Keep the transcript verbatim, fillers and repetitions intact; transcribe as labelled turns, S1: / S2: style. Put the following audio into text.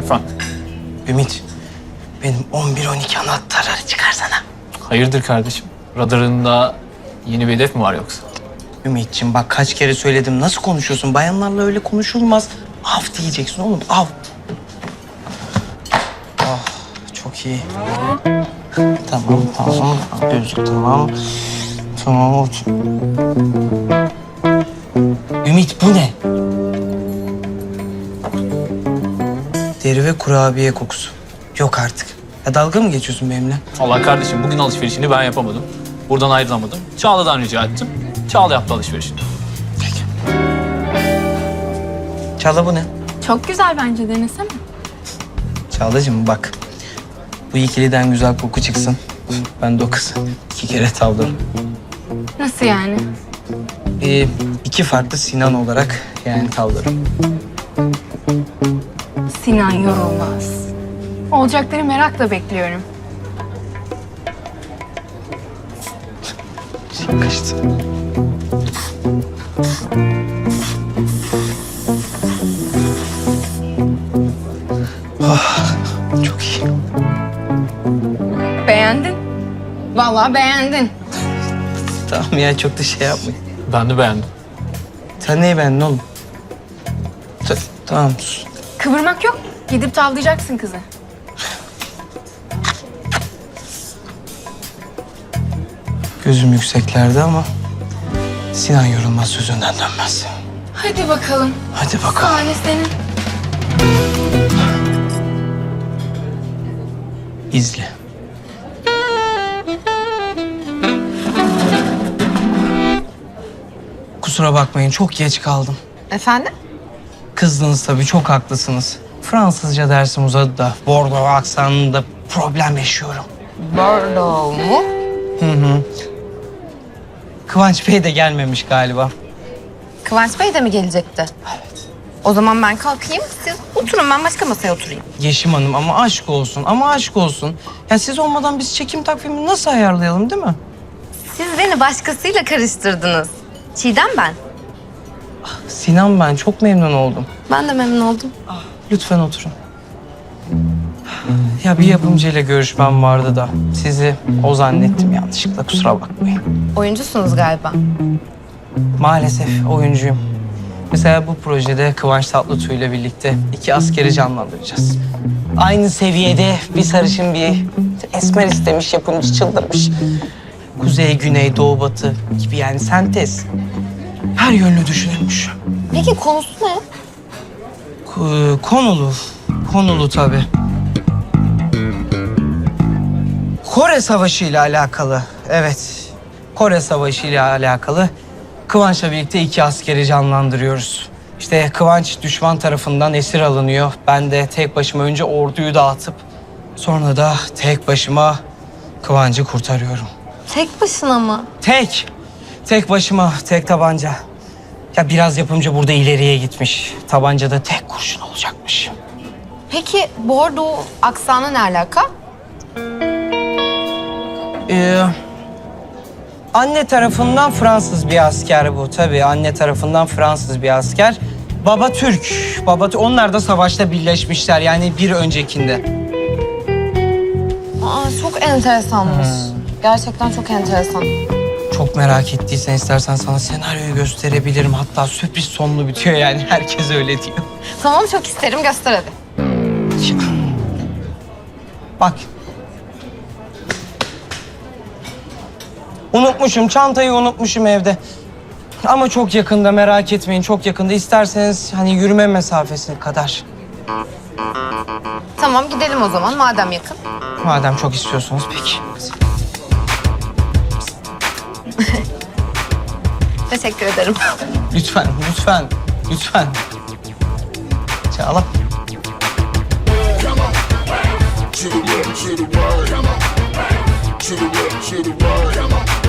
S1: Efendim?
S2: Ümit, benim on bir on iki anahtarları çıkarsana.
S1: Hayırdır kardeşim? Radarında yeni bir hedef mi var yoksa?
S2: Ümit'ciğim bak kaç kere söyledim. Nasıl konuşuyorsun? Bayanlarla öyle konuşulmaz. Av diyeceksin oğlum, av. Ah, çok iyi. Tamam, tamam. Gözlük tamam. Tamam, otur. Ümit bu ne? Deri ve kurabiye kokusu. Yok artık. Ya dalga mı geçiyorsun benimle?
S1: Allah kardeşim bugün alışverişini ben yapamadım. Buradan ayrılamadım. Çağla'dan rica ettim. Çağla yaptı alışverişini.
S2: Peki. Çağla bu ne?
S3: Çok güzel bence, denesene.
S2: Çağlacığım bak. Bu ikiliden güzel koku çıksın. Ben de o kızı iki kere tavlarım.
S3: Nasıl yani?
S2: Ee, iki farklı Sinan olarak yani tavlarım.
S3: Sinan yorulmaz. Olacakları merakla bekliyorum.
S2: Kaçtı. Oh, çok iyi.
S3: Beğendin. Vallahi beğendin.
S2: Tamam ya çok da şey yapmayın.
S1: Ben de beğendim.
S2: Sen neyi beğendin oğlum? Ta- tamam sus.
S3: Kıvırmak yok. Gidip tavlayacaksın kızı.
S2: Gözüm yükseklerde ama Sinan yorulmaz sözünden dönmez.
S3: Hadi bakalım.
S2: Hadi bakalım.
S3: Sahne senin.
S2: İzle. Kusura bakmayın çok geç kaldım.
S4: Efendim?
S2: Kızdınız tabii çok haklısınız. Fransızca dersim uzadı da Bordeaux aksanında problem yaşıyorum.
S4: Bordeaux mu?
S2: Hı hı. Kıvanç Bey de gelmemiş galiba.
S4: Kıvanç Bey de mi gelecekti? Evet. O zaman ben kalkayım, siz oturun, ben başka masaya oturayım.
S2: Yeşim Hanım ama aşk olsun ama aşk olsun. Ya siz olmadan biz çekim takvimini nasıl ayarlayalım değil mi?
S4: Siz beni başkasıyla karıştırdınız. Çiğdem ben.
S2: Sinan ben çok memnun oldum.
S4: Ben de memnun oldum.
S2: Lütfen oturun. Ya bir yapımcıyla görüşmem vardı da sizi o zannettim yanlışlıkla kusura bakmayın.
S4: Oyuncusunuz galiba.
S2: Maalesef oyuncuyum. Mesela bu projede Kıvanç Tatlıtuğ ile birlikte iki askeri canlandıracağız. Aynı seviyede bir sarışın bir esmer istemiş, yapımcı çıldırmış. Kuzey, güney, doğu, batı gibi yani sentez. Her yönlü düşünülmüş.
S4: Peki konusu ne?
S2: Ko- konulu, konulu tabii. Kore Savaşı ile alakalı, evet. Kore Savaşı ile alakalı Kıvanç'la birlikte iki askeri canlandırıyoruz. İşte Kıvanç düşman tarafından esir alınıyor. Ben de tek başıma önce orduyu dağıtıp sonra da tek başıma Kıvanç'ı kurtarıyorum.
S4: Tek başına mı?
S2: Tek, tek başıma, tek tabanca. Ya biraz yapımcı burada ileriye gitmiş. Tabancada tek kurşun olacakmış.
S4: Peki Bordeaux aksanı ne alaka?
S2: Ee, anne tarafından Fransız bir asker bu tabii. Anne tarafından Fransız bir asker. Baba Türk. Baba onlar da savaşta birleşmişler yani bir öncekinde.
S4: Aa, çok enteresanmış. Gerçekten çok enteresan.
S2: Çok merak ettiysen istersen sana senaryoyu gösterebilirim. Hatta sürpriz sonlu bitiyor yani herkes öyle diyor.
S4: Tamam, çok isterim, göster hadi.
S2: Bak. Unutmuşum, çantayı unutmuşum evde. Ama çok yakında, merak etmeyin, çok yakında. İsterseniz hani yürüme mesafesi kadar.
S4: Tamam, gidelim o zaman madem yakın.
S2: Madem çok istiyorsunuz peki.
S4: Teşekkür ederim.
S2: Lütfen, lütfen, lütfen. Çağla.
S5: To the left, to the right. To the left, to the right.